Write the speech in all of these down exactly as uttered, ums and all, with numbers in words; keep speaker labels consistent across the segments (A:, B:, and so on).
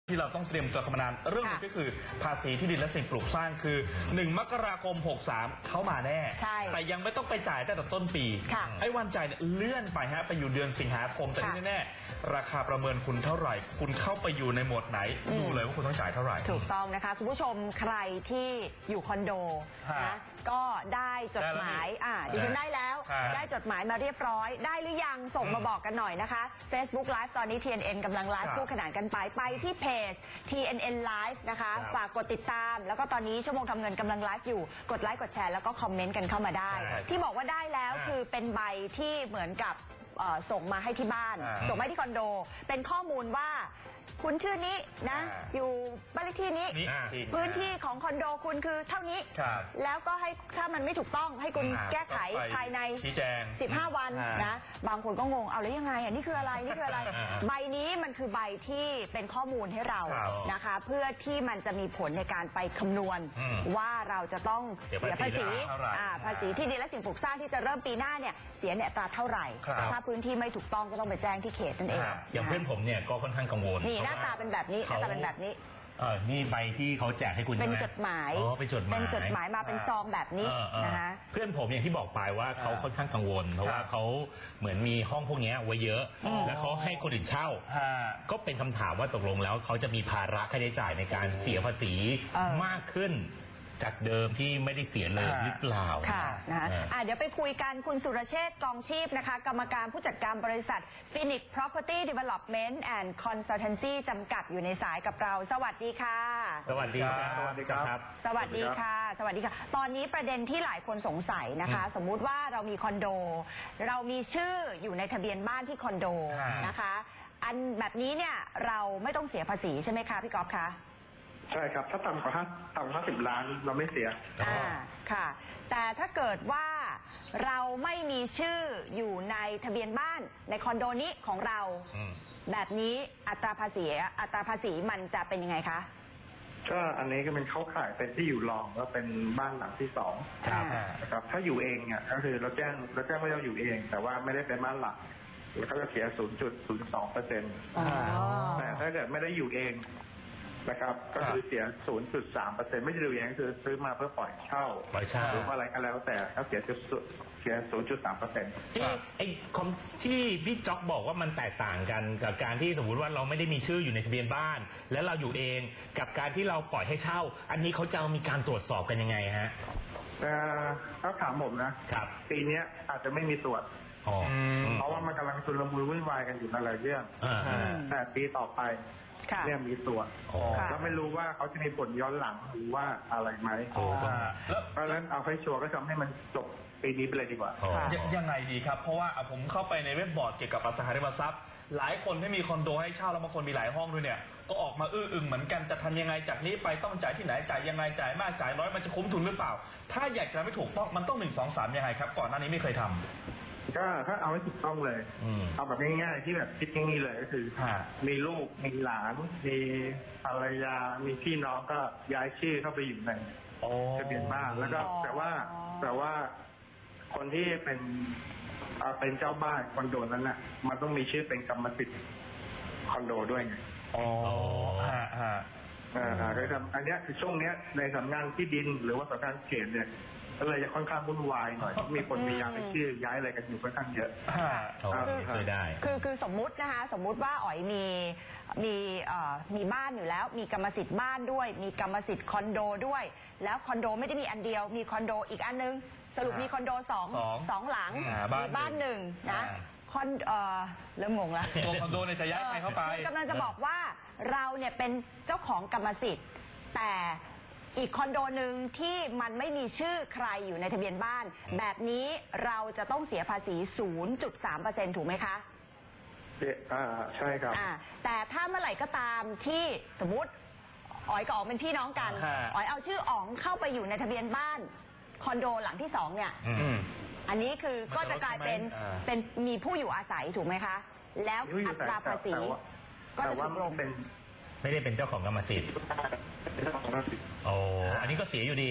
A: ที่เราต้องเตรียมตัวกันมานานเรื่องนึงก็คือภาษีที่ดินและสิ่งปลูกสร้างคือหนึ่งมกราคมหกสามเข้ามาแน่แต่ยังไม่ต้องไปจ่ายตั้งแต่ต้นปีไอ้วันจ่ายเนี่ยเลื่อนไปฮะไปอยู่เดือนสิงหาคมแต่ที่แน่ๆราคาประเมินคุณเท่าไหร่คุณเข้าไปอยู่ในหมวดไหนดูเลยว่าคุณต้องจ่ายเท่าไหร่
B: ถูกต้องนะคะคุณผู้ชมใครที่อยู่คอนโดนะก็ได้จดหมายอ่าดิฉันได้แล้วได้จดหมายมาเรียบร้อยได้หรือยังส่งมาบอกกันหน่อยนะคะ Facebook Live ตอนนี้ ที เอ็น เอ็น กำลังไลฟ์คู่ขนานกันไปไปที่เพจ ที เอ็น เอ็น Live นะคะฝากกดติดตามแล้วก็ตอนนี้ชั่วโมงทำเงินกำลังไลฟ์อยู่กดไลค์กดแชร์แล้วก็คอมเมนต์กันเข้ามาได้ที่บอกว่าได้แล้วคือเป็นใบที่เหมือนกับส่งมาให้ที่บ้านส่งมาให้ที่คอนโดเป็นข้อมูลว่าคุณชื่อนี้นะอยู่บ้านเลขที่นี้พื้นที่ของคอนโดคุณคือเท่านี้แล้วก็ให้ถ้ามันไม่ถูกต้องให้คุณแก้ไขภายในสิบห้าวันนะบางคนก็งงเอาแล้วยังไงอ่ะนี่คืออะไรนี่คืออะไรใบนี้มันคือใบที่เป็นข้อมูลให้เรานะคะเพื่อที่มันจะมีผลในการไปคำนวณว่าเราจะต้องเสียภาษีภาษีที่ดินและสิ่งปลูกสร้างที่จะเริ่มปีหน้าเนี่ยเสียเนี่ยอัตราเท่าไหร่ถ้าพื้นที่ไม่ถูกต้องก็ต้องไปแจ้งที่เขตนั่นเอง
C: อย่างเพื่อนผมเนี่ยก็ค่อนข้างกังวล
B: นี่หน้าตาเป็นแบบนี้หน้าตาเป็นแบบนี้
C: เออนี่ใบที่เขาแจกให้คุณ
B: เป็นจดหมาย
C: อ๋อเป็นจดหมาย
B: เป็นจดหมายมาเป็นซองแบบนี้นะคะ
C: เพื่อนผมอย่างที่บอกไปว่าเขาค่อนข้างกังวลเพราะว่าเขาเหมือนมีห้องพวกนี้ไว้เยอะแล้วเขาให้คนอื่นเช่าก็เป็นคำถามว่าตกลงแล้วเขาจะมีภาระค่าใช้จ่ายในการเสียภาษีมากขึ้นจากเดิมที่ไม่ได้เสียเลยหรือเปล่า
B: ค่ะนะคะะเดี๋ยวไปคุยกันคุณสุรเชษฐ์กองชีพนะคะกรรมการผู้จัดการบริษัท Phoenix Property Development and Consultancy จำกัดอยู่ในสายกับเราสวัสดีค่ะ
C: สวัสดีครับ
A: สวัสดีครับ
B: สวัสดีค่ะสวัสดีค่ะตอนนี้ประเด็นที่หลายคนสงสัยนะคะสมมุติว่าเรามีคอนโดเรามีชื่ออยู่ในทะเบียนบ้านที่คอนโดนะคะอันแบบนี้เนี่ยเราไม่ต้องเสียภาษีใช่ไหมคะพี่ก๊อฟคะ
D: ใช่ครับถ้าต่ำกว่าห้าต่ำกว่าห้าสิบล้านเราไม่เสีย
B: อ่าค่ะแต่ถ้าเกิดว่าเราไม่มีชื่ออยู่ในทะเบียนบ้านในคอนโดนี้ของเราแบบนี้อัตราภาษีอัตราภาษีมันจะเป็นยังไงคะ
D: ก็อันนี้ก็เป็นเข้าข่ายเป็นที่อยู่รองก็เป็นบ้านหลังที่สองนะครับถ้าอยู่เองเนี่ยก็คือเราแจ้งเราแจ้งว่าเราอยู่เอง แต่ว่าไม่ได้เป็นบ้านหลักแล้วก็จะเสีย ศูนย์จุดศูนย์สองเปอร์เซ็นต์ แต่ถ้าเกิดไม่ได้อยู่เองนะครับก็คือเสีย ศูนย์จุดสามเปอร์เซ็นต์ ไม่ใช่ดูอย่างคือซื้อมาเพื่อปล่อยเช่า
C: ปล่อยเช่า
D: หรืออะไรก็แล้วแต่ก็เสียเสีย ศูนย์จุดสามเปอร์เซ็นต์
C: ไอ้คอมที่พี่จ๊อกบอกว่ามันแตกต่างกันกับการที่สมมุติว่าเราไม่ได้มีชื่ออยู่ในทะเบียนบ้านแล้วเราอยู่เองกับการที่เราปล่อยให้เช่าอันนี้เขาจะมีการตรวจสอบกันยังไงฮะ
D: ถ้าถามผมนะครับปีนี้อาจจะไม่มีตรวจเพราะว่ามันกำลังชุลมุนวุ่นวายกันอยู่หลายเรื่องแต่ปีต่อไปเนี่ยมีตัวแล้วไม่รู้ว่าเขาจะมีผลย้อนหลังหรือว่าอะไรไหมเพราะฉะนั้นเอาให้ชัวร์ก็ทำให้มันจบปีนี้ไปเลยดีกว่า
A: ยังไงดีครับเพราะว่าผมเข้าไปในเว็บบอร์ดเกี่ยวกับอสังหาริมทรัพย์หลายคนที่มีคอนโดให้เช่าแล้วบางคนมีหลายห้องด้วยเนี่ยก็ออกมาอื้ออึงเหมือนกันจะทำยังไงจากนี้ไปต้องจ่ายที่ไหนจ่ายยังไงจ่ายมากจ่ายน้อยมันจะคุ้มทุนหรือเปล่าถ้าอยากจะไม่ถูกต้องมันต้องหนึ่งสองสามยังไงครับก่อนหน้านี้ไม่เคยทำ
D: ก็ถ้าเอาให้ถูกต้องเลยเอาแบบง่ายๆที่แบบคิดง่ายๆเลยก็คือมีลูกมีหลานมีภรรยามีพี่น้องก็ย้ายชื่อเข้าไปอยู่ในทะเบียนบ้านแล้วก็แต่ว่าแต่ว่าคนที่เป็นเป็นเจ้าบ้านคอนโดนั้นน่ะมันต้องมีชื่อเป็นกรรมสิทธิ์คอนโดด้วยไง
A: อ๋อฮะฮะ
D: อ่าโดยทำอันนี้คือช่วงเนี้ยในสำนักงานที่ดินหรือว่าสำนักงานเขตเนี่ยก็เลยจะค่อนข้างวุ่นวายหน่อยมีคนมีย้ายชื่อย้ายอะไรกันอยู่ค่อนข้างเยอะ
C: เคยได้
B: คือคือสมมุตินะคะสมมุติว่าอ๋อยมีมีเอ่อมีบ้านอยู่แล้วมีกรรมสิทธิ์บ้านด้วยมีกรรมสิทธิ์คอนโดด้วยแล้วคอนโดไม่ได้มีอันเดียวมีคอนโดอีกอันนึงสรุปมีคอนโดสองสองหลังมีบ้านหนึ่งนะคอนเอ่อเริ่มงงแล้ว
A: ตัวคอนโดเนี่ยจะย้ายใครเข้าไป
B: กำลังจะบอกว่าเราเนี่ยเป็นเจ้าของกรรมสิทธิ์แต่อีกคอนโดหนึ่งที่มันไม่มีชื่อใครอยู่ในทะเบียนบ้านแบบนี้เราจะต้องเสียภาษี ศูนย์จุดสามเปอร์เซ็นต์ ถูกไหมคะ
D: อ่าใช่ครับ
B: อ่าแต่ถ้าเมื่อไหร่ก็ตามที่สมมติอ๋อยกับอ๋องเป็นพี่น้องกันอ๋อยเอาชื่ออ๋องเข้าไปอยู่ในทะเบียนบ้านคอนโดหลังที่สองเนี่ยอันนี้คือก็จะกลายเป็นเป็นมีผู้อยู่อาศัยถูกไหมคะแล้วอัตราภาษีก็จะถูกลง
D: เป็น
C: ไม่ได้เป็นเจ้าของกรรมสิทธิ์โอ้อันนี้ก็เสียอยู่ดี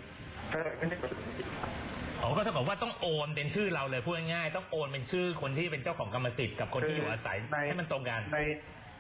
C: อ๋อก็เท่ากับว่าต้องโอนเป็นชื่อเราเลยพูดง่ายๆต้องโอนเป็นชื่อคนที่เป็นเจ้าของกรรมสิทธิ์กับคนที่อยู่อาศัยให้มันตรงกัน
D: ใน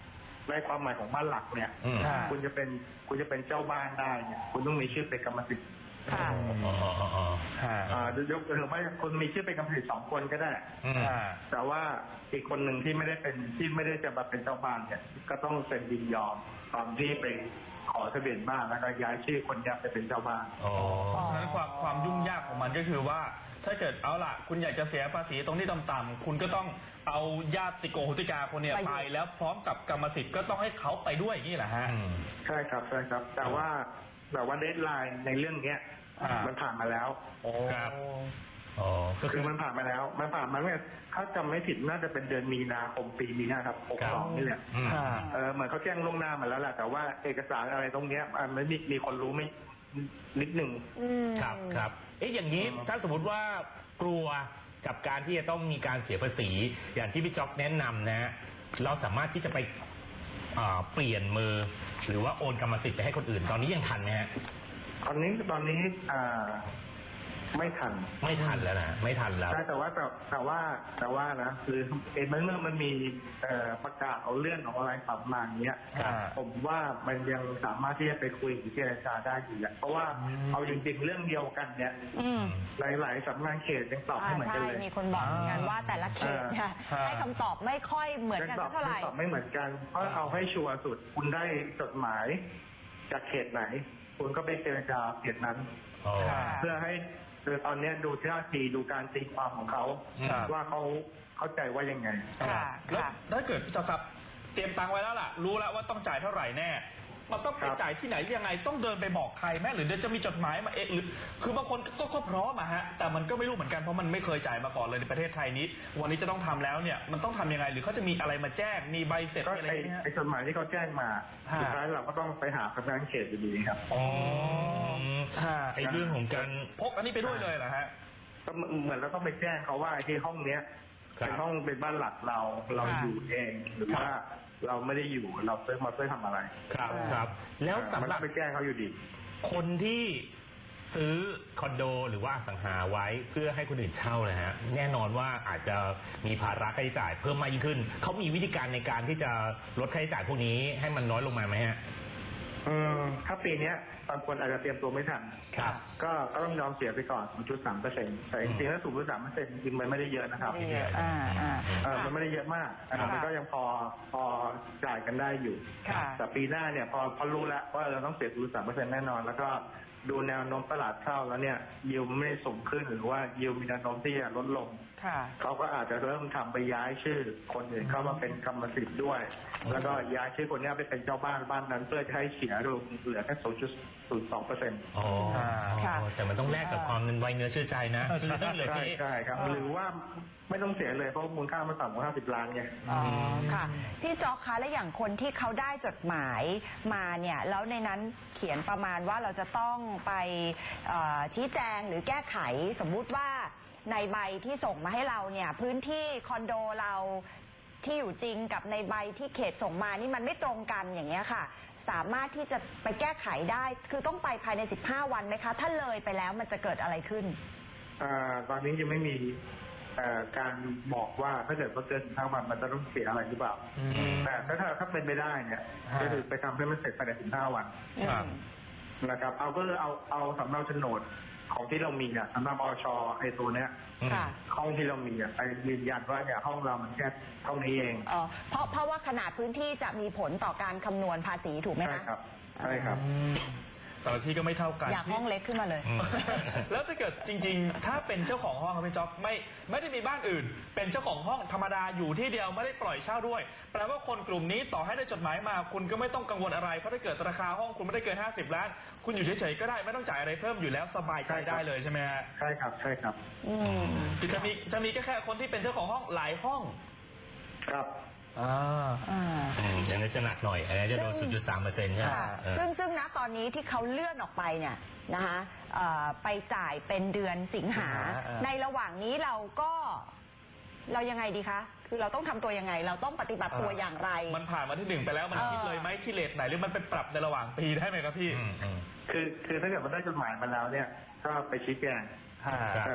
D: ในความหมายของบ้านหลักเนี่ย
C: อืม
D: คุณจะเป็นคุณจะเป็นเจ้าบ้านได้เนี่ยคุณต้องมีชื่อเป็นกรรมสิทธิ์
B: ค่ะ
C: อ๋ออ๋ออ๋ออ๋อ
D: อ่ายกตัวอย่างว่าคุณมีชื่อเป็นกรรมสิทธิ์สองคนก็ได้
C: อืม
D: แต่ว่าอีกคนหนึ่งที่ไม่ได้เป็นที่ไม่ได้จะมาเป็นเจ้าบ้านเนี่ยก็ต้องเซ็นยินยอมตอนที่ไปขอทะเบียนบ้านแล้วก็ย้ายชื่อคนนี้ไปเป็นเจ้าบ้าน
C: อ๋อ
A: เพราะฉะนั้นความความยุ่งยากของมันก็คือว่า ถ้าเกิดเอาล่ะ คุณอยากจะเสียภาษีตรงที่ต่ำๆคุณก็ต้องเอาญาติโกโหติกาคนเนี่ย
B: ไปอยู่
A: ไปแล้วพร้อมกับกรรมสิทธิ์ก็ต้องให้เขาไปด้วยอย่างนี่แหละฮะ
C: อืม
D: ใช่ครับใช่ครับ แต่ว่าแต่ว่าเดดไลน์ในเรื่องเนี้ย
A: อ่ามั
D: มันผ่านมาแล้ว
A: โอ้
C: ครับ อ๋อ ก็
D: คื
C: คือ อ
D: มันผ่านมาแล้ว มันผ่านมาเนี่ยถ้าจำไม่ผิดน่าจะเป็นเดือนมีนาคมปีนี้นะครับหกสองนี่แหละ
C: อืม
A: ค่ะ
D: เออเหมือนเขาแจ้งล่วงหน้ามาแล้วแหละแต่ว่าเอกสารอะไรตรงเนี้ยมันไม่มีมีคนรู้ไม่นิดหนึ่ง
B: อืม
C: ครับครับ เอ๊ะอย่างนี้
D: อืม
C: ถ้าสมมติว่ากลัวกับการที่จะต้องมีการเสียภาษี อย่างที่พี่จ๊อกแนะนำนะฮะเราสามารถที่จะไปอ่าเปลี่ยนมือ หรือว่าโอนกรรมสิทธิ์ไปให้คนอื่น ตอนนี้ยังทันไหมฮะ
D: ตอนนี้ตอนนี้อ่าไม่ทัน
C: ไม่ทันแล้วนะไม่ทันแล้ว
D: ใช่แต่ว่าแต่แต่ว่าแต่ว่านะคือเอ็นเมื่อมันมีเอ่อประกาศเอาเลื่อนของอะไรปรับมาอย่างเงี้ย
A: ครับ
D: ผมว่ามันยังสามารถที่จะไปคุยหรือเจรจาได้อยู่แหละเพราะว่า
A: อืม
D: เอาจริงๆเรื่องเดียวกันเนี่ย
B: อืม
D: หลายๆสำนักงานเขตยังตอบไม่
B: อ่า
D: เหมือนกั
B: ใช่
D: นเลย
B: มีคนบอกเหมือนกันว่าแต่ละเขตเนี่ย
A: อ่า
B: ให้คำตอบไม่ค่อยเหมือนกัน
D: ตอ
B: สั
D: บ
B: กเท่าไหร่
D: ตอบไม่เหมือนกันเพราะเอาให้ชัวร์สุด คุณได้จดหมายจากเขตไหน คุณก็ไปเจรจาเขตนั้น
C: อ๋อ
A: ค่ะ
D: เพื่อให้คือตอนเนี้ยดูท่าทีดูการตีความของเขา
A: ครับ
D: ว่าเขาเข้าใจว่ายังไง
B: ค่ะ
A: แล้ว
B: ค่ะ
A: ถ้าเกิดพี่จอครับเตรียมตังค์ไว้แล้วล่ะ รู้แล้วว่าต้องจ่ายเท่าไหร่แน่ มันต้องไป
D: ครับ
A: จ่ายที่ไหนยังไงต้องเดินไปบอกใครแม่หรือเดี๋ยวจะมีจดหมายมาเองหรือคือบางคนก็ก็พร้อมอะฮะแต่มันก็ไม่รู้เหมือนกันเพราะมันไม่เคยจ่ายมาก่อนเลยในประเทศไทยนี้ วันนี้จะต้องทำแล้วเนี่ยมันต้องทำยังไง หรือเขาจะมีอะไรมาแจ้งมีใบเสร็จ
D: ก็
A: มีอะไร
D: ไอ้
A: ไหมฮะ
D: ไอ้จดหมายที่เขาแจ้งมา
A: ฮะ
D: สุดท้ายเราก็ต้องไปหาสำนักงานเขตอยู่ดีครับ
A: อ๋อ
C: ฮะไอ้เรื่องของการ
A: พกอันนี้ไปด้วยเลยเหรอฮะ
D: ก็เหมือนเราต้องไปแจ้งเขาว่าไอ้ที่ห้องเนี้ย
C: ครับ
D: เป็นห้องเป็นบ้านหลักเราเรา
A: ค่ะ
D: อยู่เองหรือว่าเราไม่ได้อยู่เราซื้อมาเพื่อทำอะไร
C: ครับครับ แล้วสำหรับ
D: มันก็ไปแจ้งเขาอยู่ดี
C: คนที่ซื้อคอนโดหรือว่าอสังหาไว้เพื่อให้คนอื่นเช่านะฮะแน่นอนว่าอาจจะมีภาระค่าใช้จ่ายเพิ่มมากยิ่งขึ้นเขามีวิธีการในการที่จะลดค่าใช้จ่ายพวกนี้ให้มันน้อยลงมาไหมฮะ
D: อืมถ้าปีเนี้ยบางคนอาจจะเตรียมตัวไม่ทัน
C: ครับ
D: ก็ก็ต้องยอมเสียไปก่อน ศูนย์จุดสามเปอร์เซ็นต์ แต่จริงๆแล้ว ศูนย์จุดสามเปอร์เซ็นต์ จริงๆมันไม่ได้เยอะนะครับ
B: ไม่เยอะอ่าอ่า
D: เออมันไม่ได้เยอะมากนะครับ
B: ค่ะ
D: มันก็ยังพอพอจ่ายกันได้อยู่
B: ค่ะ
D: แต่ปีหน้าเนี่ยพอพอรู้แล้วว่าเราต้องเสีย ศูนย์จุดสามเปอร์เซ็นต์ แน่นอน แล้วก็ดูแนวโน้มตลาดเช่าแล้วเนี่ยยิวมันไม่ได้สูงขึ้นหรือว่ายิวมีแนวโน้มที่จะลดลง
B: ค่ะ
D: เขาก็อาจจะเริ่มทำไปย้ายชื่อคนอื่นเข้ามาเป็นกรรมสิทธิ์ด้วย แล้วก็ย้ายชื่อคนเนี้ยไปเป็นเจ้าบ้านบ้านนั้น เพื่อจะให้เสียลงเหลือแค่ ศูนย์จุดศูนย์สองเปอร์เซ็นต์
C: อ๋อ
B: ค่ะ
C: แต่มันต้องแลกกับความเงินไวเนื้อเชื่อใจนะซื้อได้เลย
D: ใช่
C: พี่
D: ใช่ครับ
B: เออ
D: หรือว่าไม่ต้องเสียเลยเพราะมูลค่ามันต่ำกว่าห้าสิบล้านไง
B: อ๋อค่ะพี่จ๊อกคะและอย่างคนที่เขาได้จดหมายมาเนี่ยแล้วในนั้นเขียนประมาณว่าเราจะต้องไปเอ่อชี้แจงหรือแก้ไขสมมุติว่าในใบที่ส่งมาให้เราเนี่ยพื้นที่คอนโดเราที่อยู่จริงกับในใบที่เขตส่งมานี่มันไม่ตรงกันอย่างเงี้ยค่ะ สามารถที่จะไปแก้ไขได้คือต้องไปภายในสิบห้าวันไหมคะถ้าเลยไปแล้วมันจะเกิดอะไรขึ้น
D: อ่าตอนนี้ยังไม่มีเอ่อการบอกว่าถ้าเกิดว่าเกินสิบห้าวันมันจะต้องเสียอะไรหรือเปล่า
A: อืม
D: แต่ถ้าถ้าเป็นไปได้เนี่ย
A: ฮะ
D: ก็คือไปทำให้มันเสร็จภายในสิบห้าวัน
A: ครับ
D: นะครับ เอาก็เอาเอาสำเนาโฉนดของที่เรามีอ่ะสำเนาอชไอ้ตัวเนี้ย
B: ค่ะ
D: ห้องที่เรามีอ่ะไปยืนยันว่าเนี่ยห้องเรามันแค่เท่านี้เอง
B: อ๋อเพราะเพราะว่าขนาดพื้นที่จะมีผลต่อการคำนวณภาษีถูกไหม
D: ใช่
B: คะ
D: ครับใช่ครับ
A: แต่ละที่ก็ไม่เท่ากัน
B: อยากห้องเล็กขึ้นมาเลย
C: อืม
A: แล้วถ้าเกิดจริงๆ ถ้าเป็นเจ้าของห้องครับพี่จ๊อบไม่ไม่ได้มีบ้านอื่น เป็นเจ้าของห้องธรรมดาอยู่ที่เดียวไม่ได้ปล่อยเช่าด้วย แปลว่าคนกลุ่มนี้ต่อให้ได้จดหมายมา คุณก็ไม่ต้องกังวลอะไร เพราะถ้าเกิดราคาห้องคุณไม่ได้เกินห้าสิบล้าน คุณอยู่เฉยๆก็ได้ไม่ต้องจ่ายอะไรเพิ่มอยู่แล้วสบายใจได้เลยใช่ไหมฮะ
D: ใช่ครับใช่ครับ
B: อืม
A: คือจะมีจะมีแค่แค่คนที่เป็นเจ้าของห้องหลายห้อง
D: ครับ
A: อ่า
B: อ่า
C: อืมอย่างนี้จะหนักหน่อยอันนี้จะโดน ศูนย์จุดสามเปอร์เซ็นต์ ใช่ไหม
B: ค่ะ
C: เออ
B: ซึ่งซึ่งณตอนนี้ที่เขาเลื่อนออกไปเนี่ยนะคะเอ่อไปจ่ายเป็นเดือนสิงหา
A: สิงหาอ่า
B: ในระหว่างนี้เราก็เรายังไงดีคะ คือเราต้องทำตัวยังไง เราต้องปฏิบัติตัวอย่างไร
A: มันผ่านมาที่หนึ่งไปแล้วมัน
B: เออ
A: คิดเลยไหมที่เลทไหนหรือมันไปปรับในระหว่างปีได้ไหมครับพี่
C: อืมอืม
D: คือคือถ้าเกิดมันได้จดหมายมาแล้วเนี่ย ก็ไปชี้แจง
A: ค่ะ
C: ครับ
D: เออ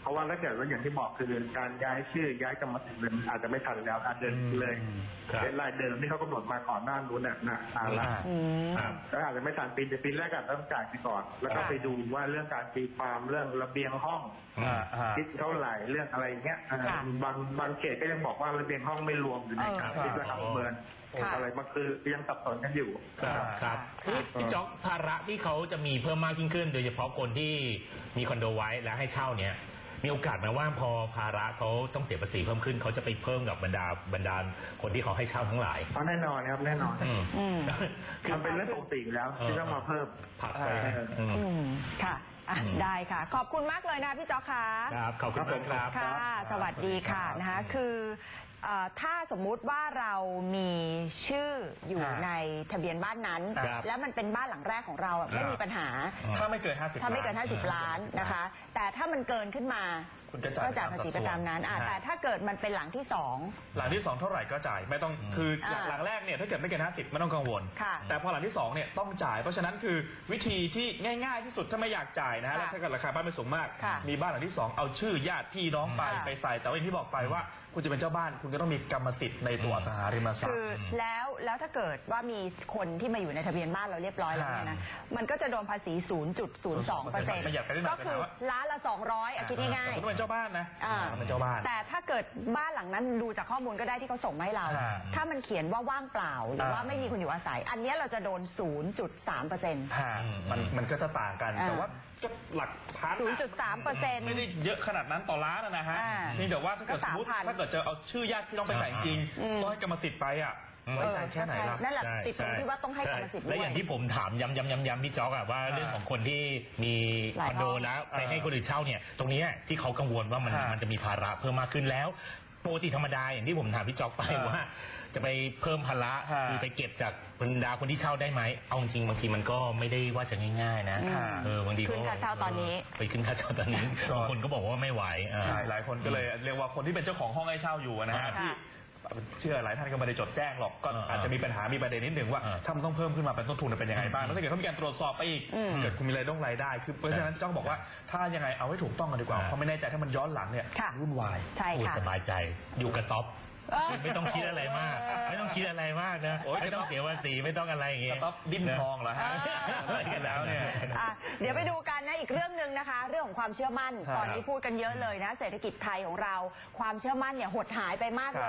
D: เพราะว่าถ้าเกิดว่าอย่างที่บอกคือการย้ายชื่อย้ายกรรมสิทธิ์มันอาจจะไม่ทันแล้วอาจจะเลยเป็นรายเดิมที่เขากำหนดมาก่อนหน้านู้นน่ะนะนานละก็อาจจะไม่ทันปีแต่ปีแรกอาจจะต้องจ่ายไปก่อน แล้วก็ไปดูว่าเรื่องการตีความเรื่องระเบียงห้องคิดเท่าไหร่เรื่องอะไรเงี้ยบางบางเขตก็ยังบอกว่าระเบียงห้องไม่รวมอยู่ในการคิดราคาประเมินอะไรบางคือยังสับสนกันอยู่
C: ครับพี่จ๊อกภาระที่เขาจะมีเพิ่มมากยิ่งขึ้นโดยเฉพาะคนที่มีคอนโดไว้และให้เช่าเนี้ยมีโอกาสไหมว่าพอภาระเขาต้องเสียภาษีเพิ่มขึ้นเขาจะไปเพิ่มกับบรรดาบรรดาคนที่เขาให้เช่าทั้งหลาย
D: แน่นอนครับแน่นอนคือเป็นเรื่องปกติแล้วที่ต้องมาเพิ่ม
C: ผักไป
B: ค่ะได้ค่ะขอบคุณมากเลยนะพี่จ๊อกค่ะ
C: ครับขอบคุณครับ
B: ค่ะสวัสดีค่ะนะคะคือถ้าสมมุติว่าเรามีชื่ออยู่ในทะเบียนบ้านนั้นแล้วมันเป็นบ้านหลังแรกของเราไม่มีปัญหา
A: ถ้าไม่เกินห้าสิบ
B: ถ้าไม่เกินห้าสิบล้านนะคะแต่ถ้ามันเกินขึ้นมาก็จ่ายภาษีประจำนั้นแต่ถ้าเกิดมันเป็นหลังที่สอง
A: หลังที่สองเท่าไหร่ก็จ่ายไม่ต้องคือหลังแรกเนี่ยถ้าเกิดไม่เกินห้าสิบไม่ต้องกังวลแต่พอหลังที่สองเนี่ยต้องจ่ายเพราะฉะนั้นคือวิธีที่ง่ายๆที่สุดถ้าไม่อยากจ่ายนะฮะแล้วถ้าเกิดราคาบ้านไม่สูงมากมีบ้านหลังที่สองเอาชื่อญาติพี่น้องไปไปใส่แต่ว่าอย่างที่บอกไปว่าคุณจะเป็นเจ้าบ้านคุณก็ต้องมีกรรมสิทธิ์ในตัวอสังหาริมทรัพย์
B: คือแล้วแล้วถ้าเกิดว่ามีคนที่มาอยู่ในทะเบียนบ้านเราเรียบร้อยแล้วเนี่ยนะมันก็จะโดนภาษี ศูนย์จุดศูนย์สองเปอร์เซ็นต์ ก็คือล้านละสองร้อยอ่ะคิดง่าย
A: ๆคุณเป็นเจ้าบ้านนะเป็นเจ้าบ้าน
B: แต่ถ้าเกิดบ้านหลังนั้นดูจากข้อมูลก็ได้ที่เขาส่งมาให้เราถ้ามันเขียนว่าว่างเปล่าหรือว่าไม่มีคนอยู่อาศัยอันนี้เราจะโดน ศูนย์จุดสามเปอร์เซ็นต์
A: มันมันก็จะต่างกันแต่ว่าก็หลักพัน
B: ศูนย์จุดสามเปอร์เซ็นต์
A: ไม่ได้เยอะขนาดนั้นต่อล้านนะฮะนี่แต่ว่าถ้าเกิดสมมติถ้าเกิดจะเอาชื่อญาติที่ต้องไปใส่จริงต้องให้กรรมสิทธิ์ไปอ่ะไว้ใจแค่ไหนล่ะ
B: นั่นแหละติดตรงที่ว่าต้องให้กรรมสิทธิ์ด้วย
C: และอย่างที่ผมถามย้ำย้ำย้ำย้ำพี่จ๊อกอะว่าเรื่องของคนที่มีคอนโดแล้วไปให้คนอื่นเช่าเนี่ยตรงนี้ที่เขากังวลว่ามันมันจะมีภาระเพิ่มมากขึ้นแล้วปกติธรรมดาอย่างที่ผมถามพี่จ๊อกไปว่าจะไปเพิ่มภาระคือไปเก็บจากบรรดาคนที่เช่าได้ไหมเอาจริงบางทีมันก็ไม่ได้ว่าจะง่ายๆนะเออบางที
B: ขึ้นค่าเช่าตอนนี้
C: ไปขึ้นค่าเช่าตอนนี้บางคนก็บอกว่าไม่ไหว
A: ใช่หลายคนก็เลยเรียกว่าคนที่เป็นเจ้าของห้องให้เช่าอยู่นะฮะที่เชื่อหลายท่านก็ไม่ได้จดแจ้งหรอกก็อาจจะมีปัญหามีประเด็นนิดหนึ่งว่าถ้ามันต้องเพิ่มขึ้นมาเป็นต้นทุนเป็นยังไงบ้างแล้วถ้าเกิดเขามีการตรวจสอบไปอีกเกิดคุณมีรายได้รายได้คือเพราะฉะนั้นต้องบอกว่าถ้ายังไงเอาให้ถูกต้องกันดีกว่าเพราะไม่แน่ใจถ้ามันย้อนหลังเนี่ยวุ่นวาย
B: ใช่ค่ะ
C: สบายใจอยู่กับท็อปไม่ต้องคิดอะไรมากไม่ต้องคิดอะไรมากนะไม่ต้องเสียภาษีไม่ต้องอะไรอย่างเงี้ย
A: ท็อปดิ้นทองเหรอฮะแล้วเนี่ย
B: เดี๋ยวไปดูกันนะอีกเรื่องหนึ่งนะคะเรื่องของความเชื่อมั่นตอนนี้พูดกันเยอะเลยนะเศรษฐกิจไทยของเราความเชื่อมั่นเนี่ยหดหายไปมากเลย